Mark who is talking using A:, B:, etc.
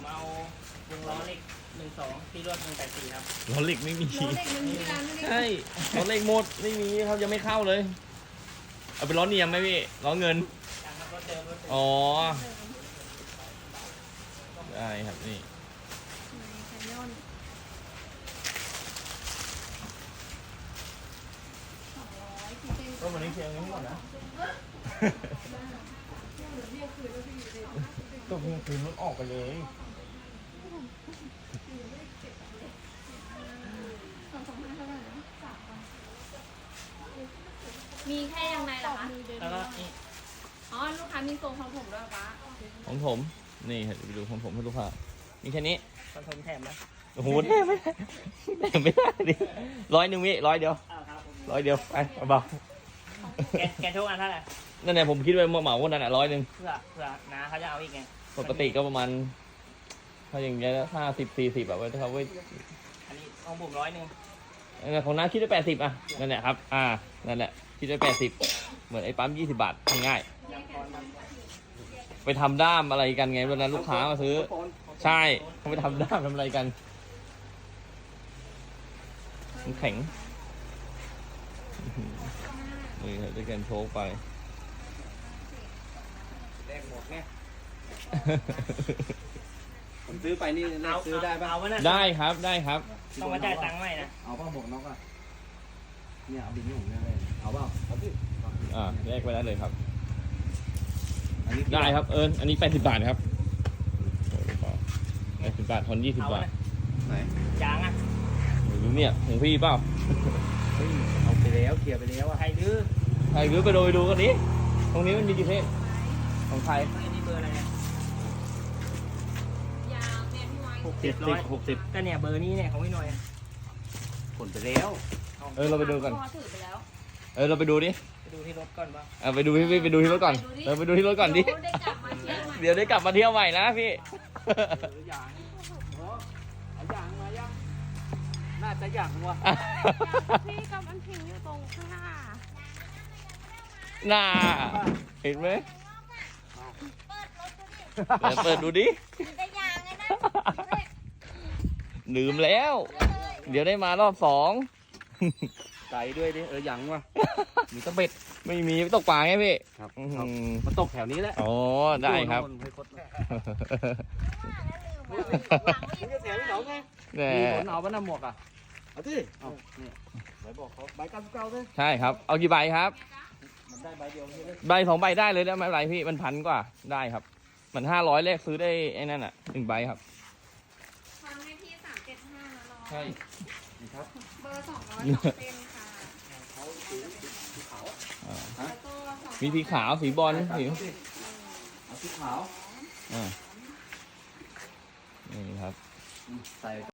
A: เอาวงล้อเหล็ก12ที่รวด184ครับ
B: ล้อเหล็กไม่มี
C: ล้อเหล็กมันมีร้านไม่ได้
B: ใช่ล้อเหล็กหมดไม่มีครับยังไม่เข้าเลยเอาเป็นล้อเนียมไหมพี่ล้อเงิน
A: ยังครับรถเดิมรถเดิม
B: อ๋อได้ครับนี่
C: แคนยอน200ที่เป็น
B: ก็วันนี้เชียงนี้ก่อนนะก็เพิ่งคืนรถออกไปเลย
C: 225เท่าไหร่นะ3,000มีแค่ยังไงเหรอคะ
A: แล้วก็นี่
C: อ๋อลูกค้ามีทรงของผมด้วยปะ
B: ของผมนี่ไปดูของผมให้ลูกค้ามีแค่นี้
A: คอนโทรลแถมนะ
B: โอ้โหแน่ไม่ได้แน่ไม่ได้ดิ100พี่100เดียว
A: ครับผม
B: 100เดียวไปเบา
A: แกทุกอันเท่าไหร่
B: ๆนั่นแหละผมคิดไว้เหมาๆวันนั้นอ่ะ100
A: เผื่อนะเขาจะเอาอีกไง
B: ปกติก็ประมาณถ้าอย่างเงี้ย50-40แบบว่าเขาไว้
A: อันนี้ของผม100
B: ของน้าคิดได้80อ่ะนั่นแหละครับนั่นแหละคิดได้80เหมือนไอ้ปั๊ม20 บาทง่ายๆไปทำด้ามอะไรกันไงวันนั้นลูกค้ามาซื้อใช่เขาไปทำด้ามทำอะไรกันมันแข็งนี่ครับได้กันโชว์ไป
D: แลกหมดไงผมซื้อไปนี่แลกซื้อได้ป่ะ
A: เอาวะน่ะ
B: ได้ครับได้ครับ
A: ต้องมาจ่ายตังค์ใหม่นะ
D: เอาป่ะหมวกน็อกอ่ะเนี่ยเอาบินนี่ผมเนี่ยเลยเอาเปล่าเอาพี่
B: แยกไปได้เลยครับ
D: อันนี้
B: ได้ครับอันนี้80 บาทครับ80 บาททอน20
A: เอา
B: บาท
A: วะนะ
D: ไหน
A: ยางอ่ะ
B: หรือเนี่ยของพี่เปล่า
D: เฮ้ยเอาไปแล้วเคลียร์ไปแล้วอ่ะ
A: ใครดื้อ
B: ใครรู้ไปดูกันนี้ตรงนี้มันมีกี่เพศของใคร
A: ไอ้นี่เบอร์อะไรเนี่ย
C: ยาวเนี่ยพี่ไว้
D: 60
A: ก็เนี่ยเบอร์นี้เนี่ยของพี่หน่อยอะ
D: ผลไปแล้ว
B: เราไปดูกัน
C: พ่อถือไปแล้ว
B: เราไปดูดิ
A: ไปดูที่รถก่อนป่ะ
B: ไปดูไปดูที่รถก่อนไปดูที่รถก่อนดิ
C: ได้กลับมาเที่ยวใหม่
B: เดี๋ยวได้กลับมาเที่ยวใหม่นะพี่
D: อย่างเอาอย่างมายังน่าจะอย่างว่ะ
C: พี่กับมันพิงอยู่ตรงข้างหน้า
B: น่าเห็นไหมเปิดดูดิ
C: ได้ยางไงนะ
B: ลืมแล้ว เดี๋ยวได้มารอบ2
D: ไก่ด้วยดิอย่างว่ะมีตะเบ็ด
B: ไม่มีตกปลาไงพี่
D: ครับ
B: อื้อหือ
D: มาตกแถวนี้แหละ
B: อ๋อได้ครับ
D: ให้คดนี่จะเสียพี่หนองไง
B: แหม
D: มีผลเอาป่ะน้ำหมวกอ่ะเอาที่เอาเนี่ยใบบอกเขาใบ99ด้วย
B: ใช่ครับ เอากี่ใบครับ
D: มันได้ใบเดียวใช่ไหม
B: ใบ2 ใบได้เลยนะไม่เป็นไรพี่มัน1,000 กว่าได้ครับมัน500แรกซื้อได้ไอ้นั่นอ่ะ1 ใบครับ
C: ทำให้พี่375นะน้อง
B: ใช่
D: นี่ครับ
C: เบอร์200เป็นค่ะ
D: เขาสีขาว
C: แล้วก็200
B: มีสีขาวสีบอลสี
D: เอาสีขาว
B: นี่ครับ
D: ใส่